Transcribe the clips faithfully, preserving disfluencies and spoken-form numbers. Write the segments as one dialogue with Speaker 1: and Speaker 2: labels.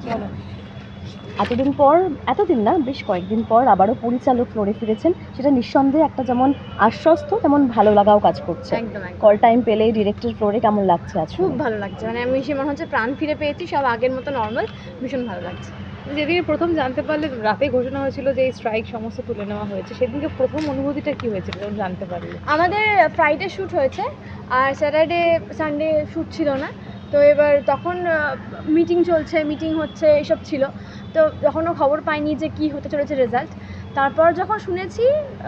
Speaker 1: এতদিন পর এতদিন না বেশ কয়েকদিন পর আবারও পরিচালক ফ্লোরে ফিরেছেন, সেটা নিঃসন্দেহে একটা যেমন আশ্বস্ত তেমন ভালো লাগাও কাজ করছে।
Speaker 2: একদম
Speaker 1: কল টাইম পেলে ডিরেক্টর ফ্লোরে কেমন লাগছে আজ?
Speaker 2: খুব ভালো লাগছে, মানে আমি সে মনে হচ্ছে প্রাণ ফিরে পেয়েছি, সব আগের মতো নর্মাল, ভীষণ ভালো লাগছে।
Speaker 3: যেদিকে প্রথম জানতে পারলে, রাতে ঘোষণা হয়েছিল যে এই স্ট্রাইক সমস্ত তুলে নেওয়া হয়েছে, সেদিনকে প্রথম অনুভূতিটা কি হয়েছিল যখন জানতে পারলে?
Speaker 2: আমাদের ফ্রাইডে শ্যুট হয়েছে আর স্যাটারডে সানডে শ্যুট ছিল না, তো এবার তখন মিটিং চলছে, মিটিং হচ্ছে, এসব ছিল, তো তখনও খবর পাইনি যে কী হতে চলেছে রেজাল্ট। তারপর যখন শুনেছি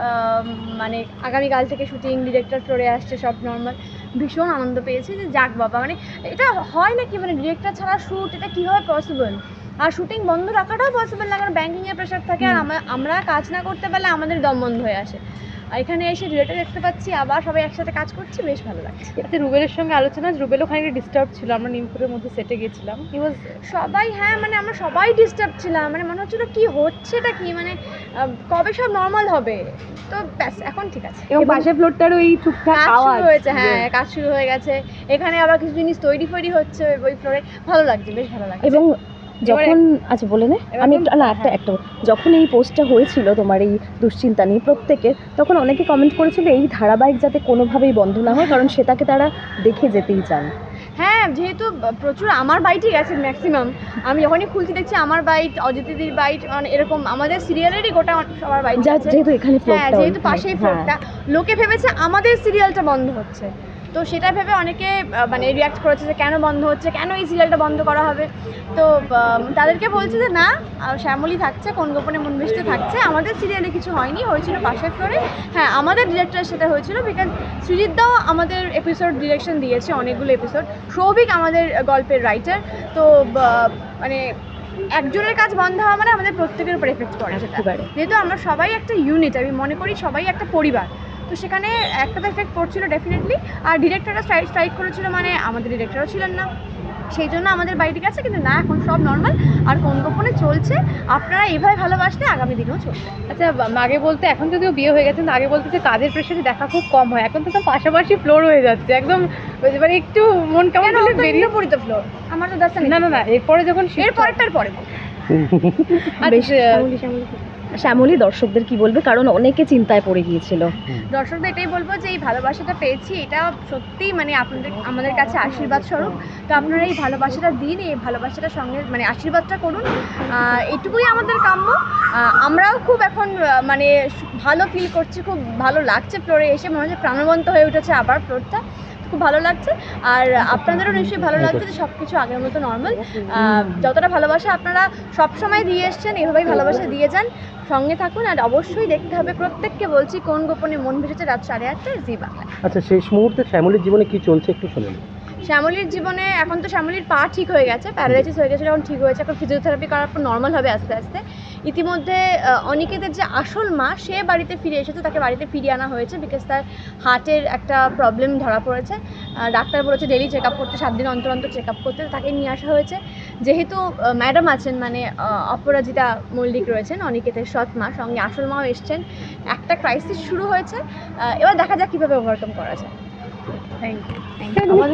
Speaker 2: মানে আগামীকাল থেকে শুটিং, ডিরেক্টর ফ্লোরে আসছে, সব নর্মাল, ভীষণ আনন্দ পেয়েছি যে যাক বাবা, মানে এটা হয় নাকি, মানে ডিরেক্টর ছাড়া শ্যুট, এটা কীভাবে পসিবল? আর শুটিং বন্ধ রাখাটাও পসিবল না, কারণ ব্যাঙ্কিংয়ের প্রেশার থাকে, আর আমরা কাজ না করতে পারলে আমাদের দম বন্ধ হয়ে আসে। আর এখানে এসে ডিরেক্টর দেখতে পাচ্ছি, আবার সবাই একসাথে কাজ করছি, বেশ ভালো লাগছে।
Speaker 3: আচ্ছা, রুবেলের সঙ্গে আলোচনা, রুবেলও খানিকটা ডিস্টার্ব ছিল, আমরা নিমপুরের মধ্যে সেটে গেছিলাম, হি ওয়াজ
Speaker 2: সবাই, হ্যাঁ মানে আমরা সবাই ডিস্টার্ব ছিলাম, মানে মনে হচ্ছিল কি হচ্ছে, এটা কি, মানে কবে সব নর্মাল হবে, তো ব্যাস এখন ঠিক আছে।
Speaker 3: এবং পাশের ফ্লোরটার ওই টুকটাক
Speaker 2: কাজ
Speaker 3: আওয়াজ
Speaker 2: শুরু হয়েছে, হ্যাঁ কাজ শুরু হয়ে গেছে, এখানে আবার কিছু জিনিস তৈরি ফৈরি হচ্ছে ওই ফ্লোরে, ভালো লাগছে, বেশ ভালো লাগছে।
Speaker 1: এবং যখন আচ্ছা বলে নে, আমি একটু না একটা একটা যখন এই পোস্টটা হয়েছিল তোমার এই দুশ্চিন্তা নিয়ে প্রত্যেকে, তখন অনেকে কমেন্ট করেছিল এই ধারাবাহিক যাতে কোনোভাবেই বন্ধ না হয়, কারণ সেটাকে তারা দেখে যেতেই চান।
Speaker 2: হ্যাঁ, যেহেতু প্রচুর আমার বাইটই গেছে ম্যাক্সিমাম, আমি যখনই খুলতে দেখছি আমার বাইট, অজিতিদির বাইট, মানে এরকম আমাদের সিরিয়ালেরই গোটা সবার বাইট,
Speaker 1: যেহেতু এখানে
Speaker 2: হ্যাঁ যেহেতু পাশেই ফ্লোরটা, লোকে ভেবেছে আমাদের সিরিয়ালটা বন্ধ হচ্ছে, তো সেটা ভেবে অনেকে মানে রিয়াক্ট করেছে যে কেন বন্ধ হচ্ছে, কেন এই সিরিয়ালটা বন্ধ করা হবে। তো তাদেরকে বলছে যে না, শ্যামলী থাকছে, কোন গোপনে মন ভেসতে থাকছে, আমাদের সিরিয়ালে কিছু হয়নি, হয়েছিল পাশের ফ্লোরে। হ্যাঁ, আমাদের ডিরেক্টরের সাথে হয়েছিল, বিকজ সৃজিতদাও আমাদের এপিসোড ডিরেকশন দিয়েছে, অনেকগুলো এপিসোড, সৌভিক আমাদের গল্পের রাইটার, তো মানে একজনের কাজ বন্ধ হওয়া মানে আমাদের প্রত্যেকের উপর এফেক্ট করে, যেহেতু আমরা সবাই একটা ইউনিট, আমি মনে করি সবাই একটা পরিবার, তো সেখানে একটা তো এফেক্ট পড়ছিল ডেফিনেটলি। আর ডিরেক্টররা স্ট্রাইক স্ট্রাইক করেছিল, মানে আমাদের ডিরেক্টরও ছিলেন না, সেই জন্য আমাদের বাড়িতে গেছে, কিন্তু না এখন সব নর্মাল, আর কোন গোপনে চলছে, আপনারা এইভাবে ভালোবাসলে আগামী দিনেও চলবে।
Speaker 3: আচ্ছা, আগে বলতে, এখন যদিও বিয়ে হয়ে গেছে, আগে বলতে যে কাজের প্রেশারে দেখা খুব কম হয়, এখন তো পাশাপাশি ফ্লোর হয়ে যাচ্ছে একদম, মানে একটু মন কেমন হলে বেরিয়ে
Speaker 2: পড়ি তো ফ্লোর আমার তো দাস্তা
Speaker 3: না না না এরপরে যখন
Speaker 2: এর পরেরটার পরে
Speaker 1: শ্যামলী দর্শকদের কি বলবে, কারণ অনেকে চিন্তায় পড়ে গিয়েছিল।
Speaker 2: দর্শকদের এটাই বলবো যে এই ভালোবাসাটা পেয়েছি, এটা সত্যিই মানে আপনাদের আমাদের কাছে আশীর্বাদ স্বরূপ, তো আপনারা এই ভালোবাসাটা দিন, এই ভালোবাসাটার সঙ্গে মানে আশীর্বাদটা করুন, এইটুকুই আমাদের কাম্য। আমরাও খুব এখন মানে ভালো ফিল করছি, খুব ভালো লাগছে, ফ্লোরে এসে মনে হচ্ছে প্রাণবন্ত হয়ে উঠেছে আবার ফ্লোরটা, খুব ভালো লাগছে। আর আপনাদেরও নিশ্চয়ই ভালো লাগছে যে সব কিছু আগের মতো নর্মাল, যতটা ভালোবাসা আপনারা সবসময় দিয়ে এসছেন, এভাবেই ভালোবাসা দিয়ে যান, সঙ্গে থাকুন। আর অবশ্যই দেখতে হবে, প্রত্যেককে বলছি, কোন গোপনে মন ভেসেছে, রাত সাড়ে আটটায় জি বাংলায়।
Speaker 4: আচ্ছা, শেষ মুহূর্তে শ্যামলীর জীবনে কি চলছে একটু শুনুন।
Speaker 2: শ্যামলীর জীবনে এখন তো শ্যামলীর পা ঠিক হয়ে গেছে, প্যারালাইসিস হয়ে গেছে, এখন ঠিক হয়েছে, এখন ফিজিওথেরাপি করার পর নর্মাল হবে আস্তে আস্তে। ইতিমধ্যে অনিকেতের যে আসল মা, সে বাড়িতে ফিরে এসেছে, তাকে বাড়িতে ফিরিয়ে আনা হয়েছে, বিকজ তার হার্টের একটা প্রবলেম ধরা পড়েছে, ডাক্তার বলেছে ডেলি চেক আপ করতে, সাত দিন অন্তর অন্তর চেক আপ করতে, তাকে নিয়ে আসা হয়েছে। যেহেতু ম্যাডাম আছেন, মানে অপরাজিতা মল্লিক রয়েছেন অনিকেতের সৎ মা, সঙ্গে আসল মাও এসছেন, একটা ক্রাইসিস শুরু হয়েছে, এবার দেখা যাক কীভাবে ওভারকাম করা যায়।
Speaker 3: Thank you.